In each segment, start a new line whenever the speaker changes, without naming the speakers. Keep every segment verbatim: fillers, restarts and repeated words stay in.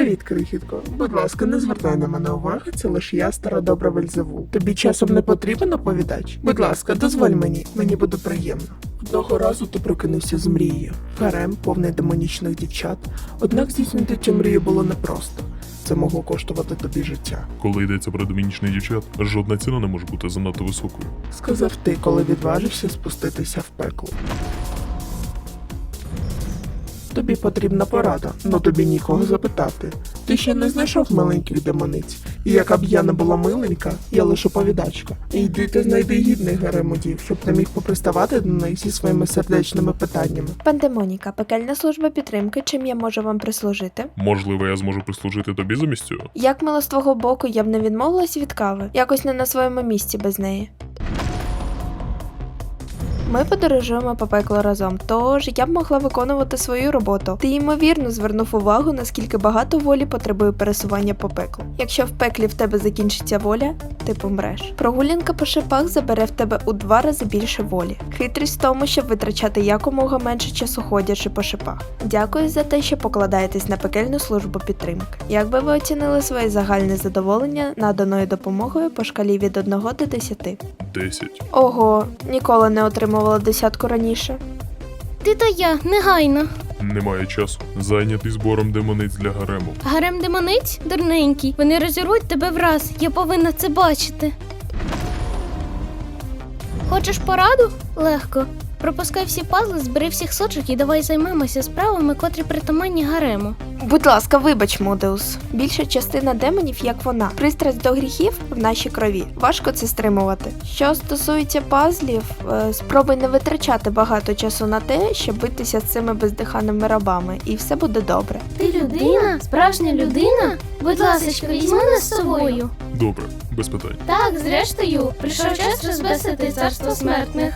Привіт, крихітко. Будь ласка, не звертай на мене уваги, це лише я, стара добра Вельзевул. Тобі часом не потрібен оповідач? Будь ласка, дозволь мені, мені буде приємно. Одного разу ти прокинувся з мрією. Гарем, повний демонічних дівчат. Однак здійснити цю мрію було непросто. Це могло коштувати тобі життя.
Коли йдеться про демонічних дівчат, жодна ціна не може бути занадто високою.
Сказав ти, коли відважився спуститися в пекло. Тобі потрібна порада, но тобі нікого запитати. Ти ще не знайшов маленьких демониць. І яка б я не була миленька, я лише оповідачка. Йди та знайди гідних гаремодів, щоб ти міг поприставати до них зі своїми сердечними питаннями.
Пандемоніка, пекельна служба підтримки, чим я можу вам прислужити?
Можливо, я зможу прислужити тобі замість цього?
Як мило з твого боку, я б не відмовилась від кави, якось не на своєму місці без неї. Ми подорожуємо по пеклу разом, тож я б могла виконувати свою роботу. Ти ймовірно звернув увагу, наскільки багато волі потребує пересування по пеклу. Якщо в пеклі в тебе закінчиться воля, ти помреш. Прогулянка по шипах забере в тебе у два рази більше волі. Хитрість в тому, щоб витрачати якомога менше часу ходячи по шипах. Дякую за те, що покладаєтесь на пекельну службу підтримки. Як би ви оцінили своє загальне задоволення наданою допомогою по шкалі від одного до десяти?
Десять.
Ого, ніколи не отримувала десятку раніше.
Ти та я, негайно.
Немає часу. Зайнятий збором демониць для гарему.
Гарем демониць? Дурненький. Вони розірвуть тебе враз. Я повинна це бачити. Хочеш пораду? Легко. Пропускай всі пазли, збери всіх сочок і давай займемося справами, котрі притаманні гарему.
Будь ласка, вибач, Модеус. Більша частина демонів, як вона. Пристрасть до гріхів в нашій крові. Важко це стримувати. Що стосується пазлів, е, спробуй не витрачати багато часу на те, щоб битися з цими бездиханими рабами, і все буде добре.
Ти людина? Справжня людина? Будь ласочка, візьми нас з собою.
Добре, без питань.
Так, зрештою, прийшов час розбесити царство смертних.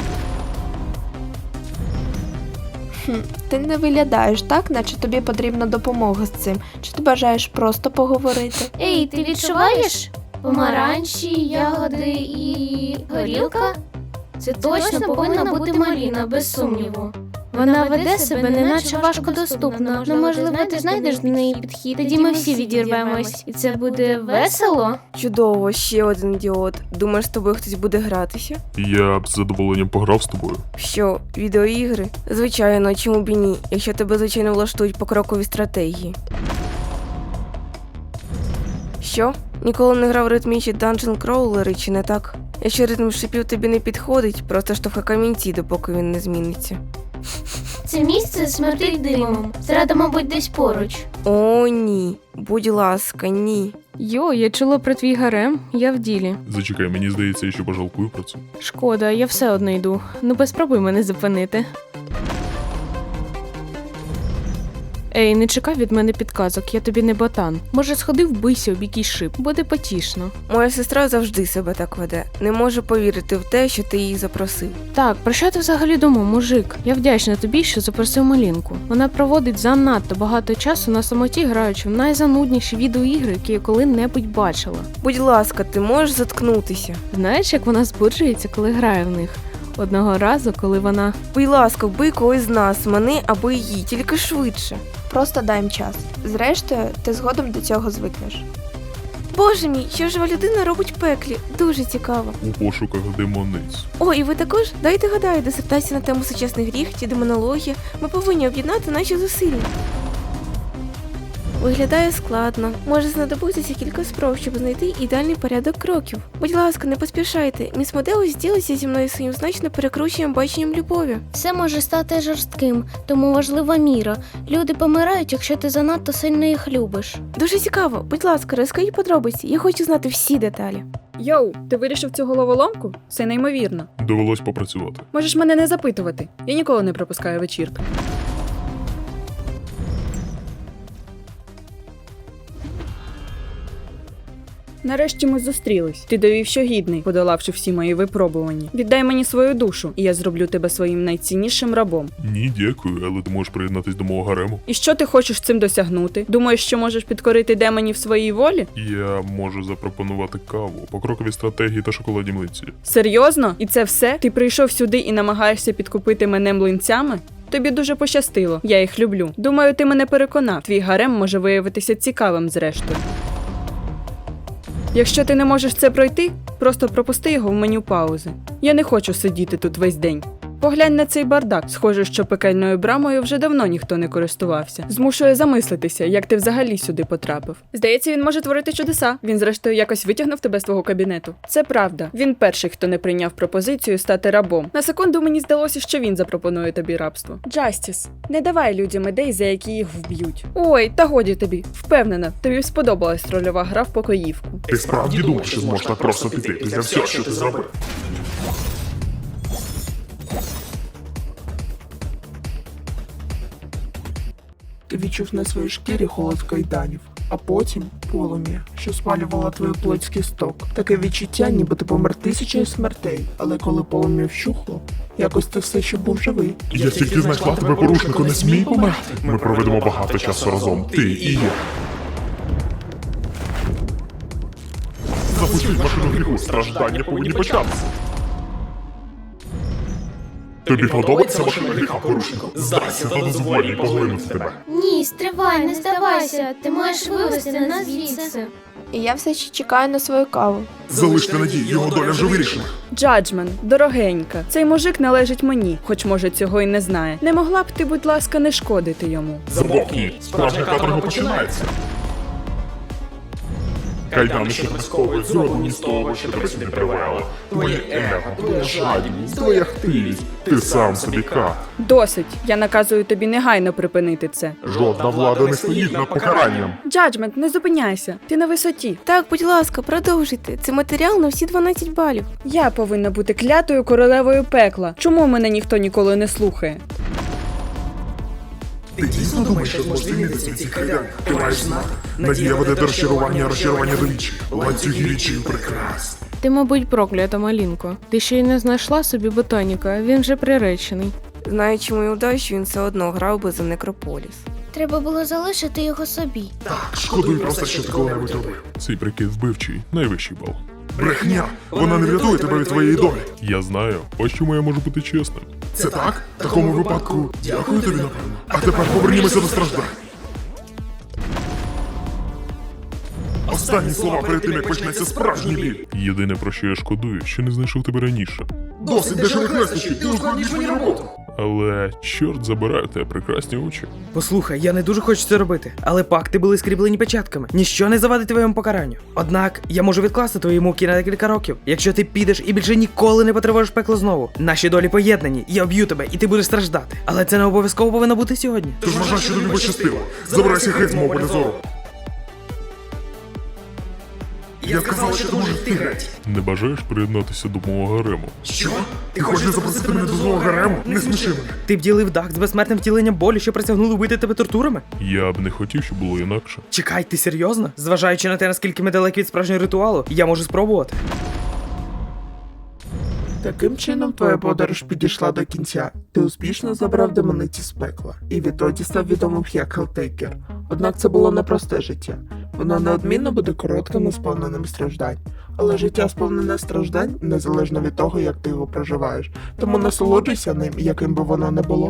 Хм, ти не виглядаєш так, наче тобі потрібна допомога з цим. Чи ти бажаєш просто поговорити?
Ей, ти відчуваєш? Помаранчі, ягоди і горілка? Це точно повинна бути Маліна, без сумніву. Вона веде себе неначе важкодоступно. Ну, можливо, ти знайдеш до неї підхід, тоді ми всі відірвемось. І це буде весело?
Чудово, ще один ідіот. Думаєш, з тобою хтось буде гратися?
Я б з задоволенням пограв з тобою.
Що, відеоігри? Звичайно, чому б і ні, якщо тебе, звичайно, влаштують покрокові стратегії. Що? Ніколи не грав в ритмічні данжен-кроулери, чи не так? Якщо ритм шипів тобі не підходить, просто штовхай камінці, допоки він не зміниться.
Це місце смердить димом. Зрада, мабуть, десь поруч.
О, ні. Будь ласка, ні.
Йо, я чула про твій гарем, я в ділі.
Зачекай, мені здається, я ще пожалкую про це.
Шкода, я все одно йду. Ну, без спробуй мене зупинити. Ей, не чекай від мене підказок, я тобі не ботан. Може, сходи вбийся об якийсь шип, буде потішно.
Моя сестра завжди себе так веде. Не можу повірити в те, що ти її запросив.
Так, про що ти взагалі думав, мужик? Я вдячна тобі, що запросив Малінку. Вона проводить занадто багато часу на самоті, граючи в найзанудніші відеоігри, які я коли-небудь бачила.
Будь ласка, ти можеш заткнутися?
Знаєш, як вона збуджується, коли грає в них? Одного разу, коли вона...
Будь ласка, вбий когось з нас, мене або її, тільки швидше.
Просто дай їм час. Зрештою, ти згодом до цього звикнеш.
Боже мій, що жива людина робить в пеклі? Дуже цікаво.
У пошуках демониць.
О, і ви також? Дайте гадаю, дисертація на тему сучасних гріх чи демонологія. Ми повинні об'єднати наші зусилля. Виглядає складно. Може знадобитися кілька спроб, щоб знайти ідеальний порядок кроків. Будь ласка, не поспішайте. Міс Модеус ділиться зі мною своїм значно перекрученим баченням любові.
Все може стати жорстким, тому важлива міра. Люди помирають, якщо ти занадто сильно їх любиш.
Дуже цікаво. Будь ласка, розкажіть подробиці. Я хочу знати всі деталі.
Йоу, ти вирішив цю головоломку? Це неймовірно.
Довелось попрацювати.
Можеш мене не запитувати. Я ніколи не пропускаю вечірки. Нарешті ми зустрілись. Ти довів, що гідний, подолавши всі мої випробування. Віддай мені свою душу, і я зроблю тебе своїм найціннішим рабом.
Ні, дякую, але ти можеш приєднатись до мого гарему.
І що ти хочеш цим досягнути? Думаєш, що можеш підкорити демонів своїй волі?
Я можу запропонувати каву, покрокові стратегії та шоколадні млинці.
Серйозно? І це все? Ти прийшов сюди і намагаєшся підкупити мене млинцями? Тобі дуже пощастило, я їх люблю. Думаю, ти мене переконав. Твій гарем може виявитися цікавим зрештою. Якщо ти не можеш це пройти, просто пропусти його в меню паузи. Я не хочу сидіти тут весь день. Поглянь на цей бардак. Схоже, що пекельною брамою вже давно ніхто не користувався. Змушує замислитися, як ти взагалі сюди потрапив. Здається, він може творити чудеса. Він, зрештою, якось витягнув тебе з твого кабінету. Це правда. Він перший, хто не прийняв пропозицію стати рабом. На секунду мені здалося, що він запропонує тобі рабство. Джастіс, не давай людям ідей, за які їх вб'ють. Ой, та годі тобі. Впевнена, тобі сподобалась рольова гра в покоївку.
Ти справді думав, що зможеш так просто піти після всього, що ти зробив?
Ти відчув на своїй шкірі холод кайданів, а потім полум'я, що спалювало твою плоть з кісток. Таке відчуття, ніби ти помер тисячею смертей, але коли полум'я вщухло, якось ти все ще був живий.
Я тільки знайшла тебе, порушнику, не смій померти. Ми проведемо багато часу разом, ти і я. Запустіть машину гріху, страждання повинні початися. Тобі подобається машина гріха, порушнику? Здайся та дозволь їй поглинути тебе.
Ні, стривай, не здавайся. Ти маєш вивести нас звідси.
І я все ще чекаю на свою каву.
Залиште надію, його доля вже вирішена.
Джаджмен, дорогенька, цей мужик належить мені, хоч може цього й не знає. Не могла б ти, будь ласка, не шкодити йому.
Замовкні, справжня каторга починається. Кайдани, що тебе сковують, зроблені з того, що тебе сюди привело. Твоє его, твоя жадібність, твоя хтивість. Ти сам собі кат.
Досить. Я наказую тобі негайно припинити це.
Жодна влада не стоїть над покаранням.
Джаджмент, не зупиняйся. Ти на висоті.
Так, будь ласка, продовжуйте. Це матеріал на всі дванадцять балів.
Я повинна бути клятою королевою пекла. Чому мене ніхто ніколи не слухає?
Ти дійсно думаєш, що зможеш звільнитися від цих кайданів? Ти маєш знати. Надія веде до розчарування, а розчарування до вічі. Ланцюги річів прекрасні.
Ти, мабуть, проклята, Малінко. Ти ще й не знайшла собі ботаніка, він вже приречений.
Знаючи мою удачу, він все одно грав би за Некрополіс.
Треба було залишити його собі.
Так, шкодую просто, що ти коли-небудь робив. Цей прикид вбивчий, найвищий бал. Брехня! Вона не врятує тебе від твоєї долі. Я знаю, ось чому я можу бути чесним. Це так? В такому випадку дякую тобі, напевно. А тепер повернімося до страждань. Останні слова перед тим, як почнеться справжній біль. Єдине, про що я шкодую, що не знайшов тебе раніше. Досить дешевих лестощів, ти ускладніш мені роботу. Але, чорт забирає тебе прекрасні очі.
Послухай, я не дуже хочу це робити, але пакти були скріплені печатками. Ніщо не завадить твоєму покаранню. Однак я можу відкласти твої муки на декілька років, якщо ти підеш і більше ніколи не потривожиш пекло знову. Наші долі поєднані, я вб'ю тебе, і ти будеш страждати. Але це не обов'язково повинно бути сьогодні.
Тож вважай, що тобі пощастило. Забирайся геть з мого поля зору. Я сказала, що ти можеш йти геть. Не бажаєш приєднатися до мого гарему?
Що?
Ти хочеш запросити мене до свого гарему? Не сміши мене.
Ти б дах з безсмертним втіленням болі, що присягнули вбити тебе тортурами?
Я б не хотів, щоб було інакше.
Чекай, ти серйозно? Зважаючи на те, наскільки ми далекі від справжнього ритуалу, я можу спробувати.
Таким чином, твоя подорож підійшла до кінця. Ти успішно забрав демониці з пекла, і відтоді став відомим як Хелтейкер. Однак це було непросте життя. Воно неодмінно буде коротким і сповненим страждань. Але життя сповнене страждань незалежно від того, як ти його проживаєш. Тому насолоджуйся ним, яким би воно не було.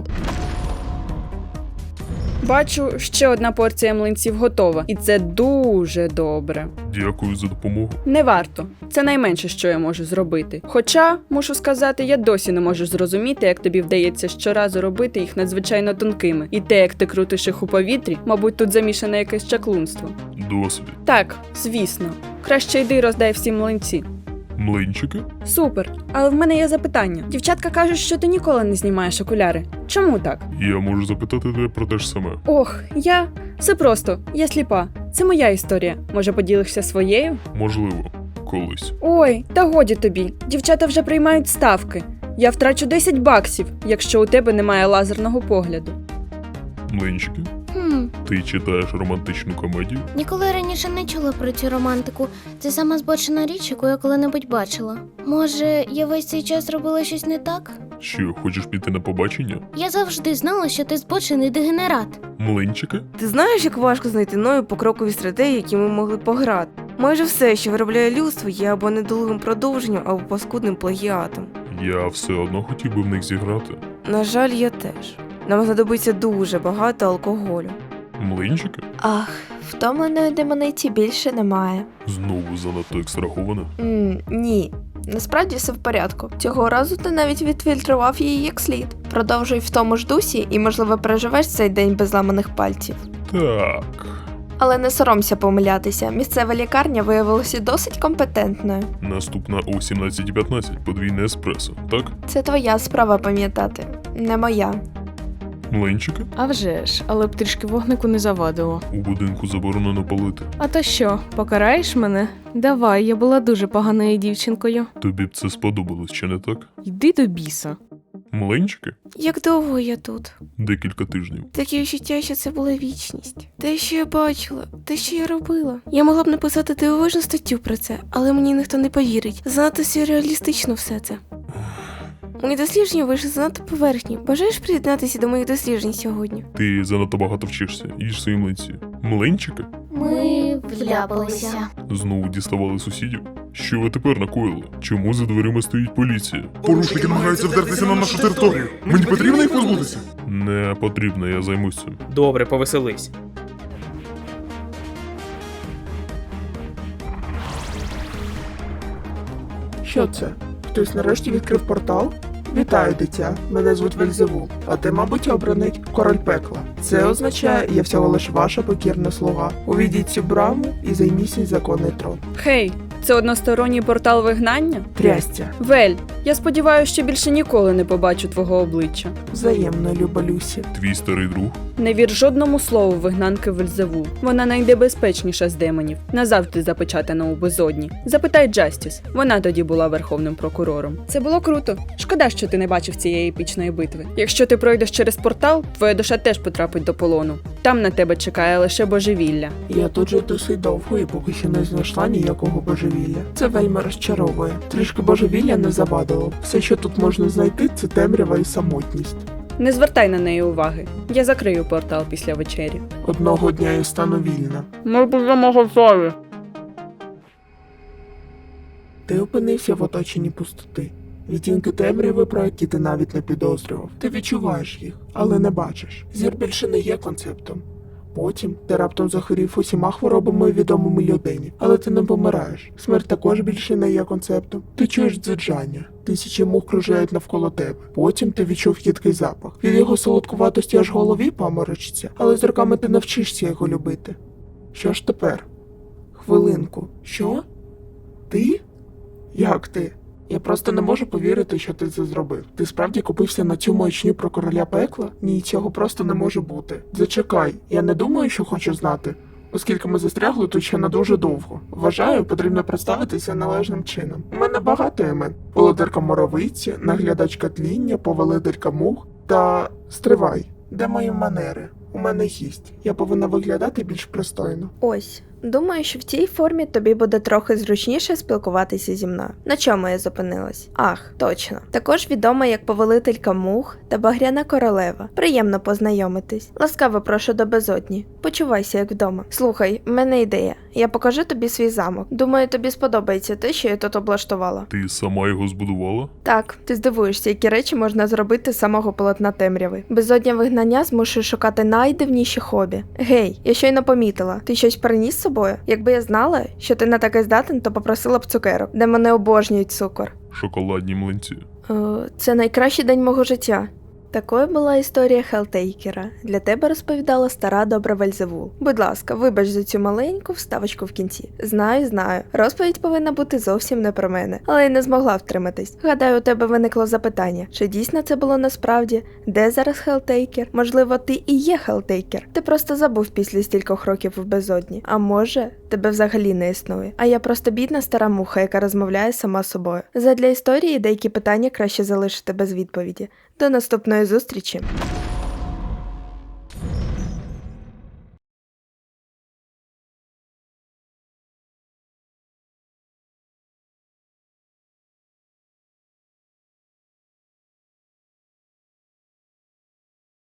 Бачу, ще одна порція млинців готова, і це дуже добре.
Дякую за допомогу.
Не варто. Це найменше, що я можу зробити. Хоча, мушу сказати, я досі не можу зрозуміти, як тобі вдається щоразу робити їх надзвичайно тонкими. І те, як ти крутиш їх у повітрі, мабуть, тут замішане якесь чаклунство.
Досвід.
Так, звісно. Краще йди роздай всі млинці.
Млинчики?
Супер. Але в мене є запитання. Дівчатка кажуть, що ти ніколи не знімаєш окуляри. Чому так?
Я можу запитати тебе про те ж саме.
Ох, я... Все просто. Я сліпа. Це моя історія. Може, поділишся своєю?
Можливо, колись.
Ой, та годі тобі. Дівчата вже приймають ставки. Я втрачу десять баксів, якщо у тебе немає лазерного погляду.
Млинчики?
Хм,
Ти читаєш романтичну комедію?
ніколи раніше не чула про цю романтику. Це сама збочена річ, яку я коли-небудь бачила. Може, я весь цей час робила щось не так?
Що, хочеш піти на побачення?
Я завжди знала, що ти збочений дегенерат.
Млинчики?
Ти знаєш, як важко знайти нові покрокові стратегії, які ми могли пограти? Майже все, що виробляє людство, є або недолугим продовженням, або паскудним плагіатом.
Я все одно хотів би в них зіграти.
На жаль, я теж. Нам знадобиться дуже багато алкоголю.
Млинчики?
Ах, втомленої демониці більше немає.
Знову занадто екстрахована.
М, ні. Насправді все в порядку. Цього разу ти навіть відфільтрував її як слід. Продовжуй в тому ж дусі і, можливо, переживеш цей день без ламаних пальців.
Так.
Але не соромся помилятися, місцева лікарня виявилася досить компетентною.
Наступна о сімнадцять п'ятнадцять, подвійне еспресо, так?
Це твоя справа пам'ятати, не моя.
Млинчики?
А вже ж, але б трішки вогнику не завадило.
У будинку заборонено палити.
А то що, покараєш мене? Давай, я була дуже поганою дівчинкою.
Тобі б це сподобалось, чи не так?
Йди до біса.
Млинчики?
Як довго я тут?
Декілька тижнів.
Таке відчуття, що це була вічність. Те, що я бачила, те, що я робила. Я могла б написати дивовижну статтю про це, але мені ніхто не повірить. Занадто сюрреалістично все це. Мої дослідження вийшли занадто поверхні. Бажаєш приєднатися до моїх досліджень сьогодні?
Ти занадто багато вчишся, їж свої млинці. Млинчики?
Ми вляпалися.
Знову діставали сусідів? Що ви тепер накоїли? Чому за дверима стоїть поліція? Порушники намагаються вдертися на нашу територію. Мені потрібно їх позбутися? Не потрібно, я займусь цим.
Добре, повеселись.
Що це? Хтось нарешті відкрив портал? Вітаю, дитя. Мене звуть Вельзевул, а ти, мабуть, обраний король пекла. Це означає, я всього лиш ваша покірна слуга. Увійдіть цю браму і займіть свій законний трон.
Хей, це односторонній портал вигнання?
Трястя.
Вель, я сподіваюся, що більше ніколи не побачу твого обличчя.
Взаємно, люба Люсі.
Твій старий друг?
Не вір жодному слову вигнанки Вельзевул. Вона найнебезпечніша з демонів, назавжди запечатана у безодні. Запитай Джастіс, вона тоді була верховним прокурором. Це було круто. Шкода, що ти не бачив цієї епічної битви. Якщо ти пройдеш через портал, твоя душа теж потрапить до полону. Там на тебе чекає лише божевілля.
Я тут же досить довго і поки що не знайшла ніякого божевілля. Це вельми розчаровує. Трішки божевілля не завадило. Все, що тут можна знайти, це темрява і самотність.
Не звертай на неї уваги. Я закрию портал після вечері.
Одного дня я стану вільна.
Ми будемо готові.
Ти опинився в оточенні пустоти. Відтінки темряви, про які ти навіть не підозрював. Ти відчуваєш їх, але не бачиш. Зір більше не є концептом. Потім ти раптом захворів усіма хворобами відомими людині, але ти не помираєш. Смерть також більше не є концептом. Ти чуєш дзижання. Тисячі мух кружляють навколо тебе. Потім ти відчув їдкий запах. Від його солодкуватості аж голові поморочиться, але з роками ти навчишся його любити. Що ж тепер? Хвилинку. Що? Ти? Як ти? Я просто не можу повірити, що ти це зробив. Ти справді купився на цю маячню про короля пекла? Ні, цього просто не може бути. Зачекай, я не думаю, що хочу знати. Оскільки ми застрягли тут ще на дуже довго. Вважаю, потрібно представитися належним чином. У мене багато імен. Володарка Моровиці, наглядачка тління, повелителька мух та... Стривай, де мої манери? У мене гість. Я повинна виглядати більш пристойно.
Ось. Думаю, що в цій формі тобі буде трохи зручніше спілкуватися зі мною. На чому я зупинилась? Ах, точно. Також відома як повелителька мух та багряна королева. Приємно познайомитись. Ласкаво прошу до безодні. Почувайся як вдома. Слухай, в мене ідея. Я покажу тобі свій замок. Думаю, тобі сподобається те, що я тут облаштувала.
Ти сама його збудувала?
Так, ти здивуєшся, які речі можна зробити з самого полотна темряви. Безодня вигнання змушує шукати найдивніші хобі. Гей, я щойно помітила. Ти щось приніс з собою? Якби я знала, що ти на таке здатен, то попросила б цукерок, де мене обожнюють цукор.
Шоколадні млинці.
О, це найкращий день мого життя. Такою була історія Хелтейкера. Для тебе розповідала стара добра Вельзевул. Будь ласка, вибач за цю маленьку вставочку в кінці. Знаю, знаю. Розповідь повинна бути зовсім не про мене, але я не змогла втриматись. Гадаю, у тебе виникло запитання, чи дійсно це було насправді? Де зараз Хелтейкер? Можливо, ти і є Хелтейкер. Ти просто забув після стількох років в безодні. А може, тебе взагалі не існує. А я просто бідна стара муха, яка розмовляє сама з собою. Задля історії деякі питання краще залишити без відповіді. До наступної зустрічі!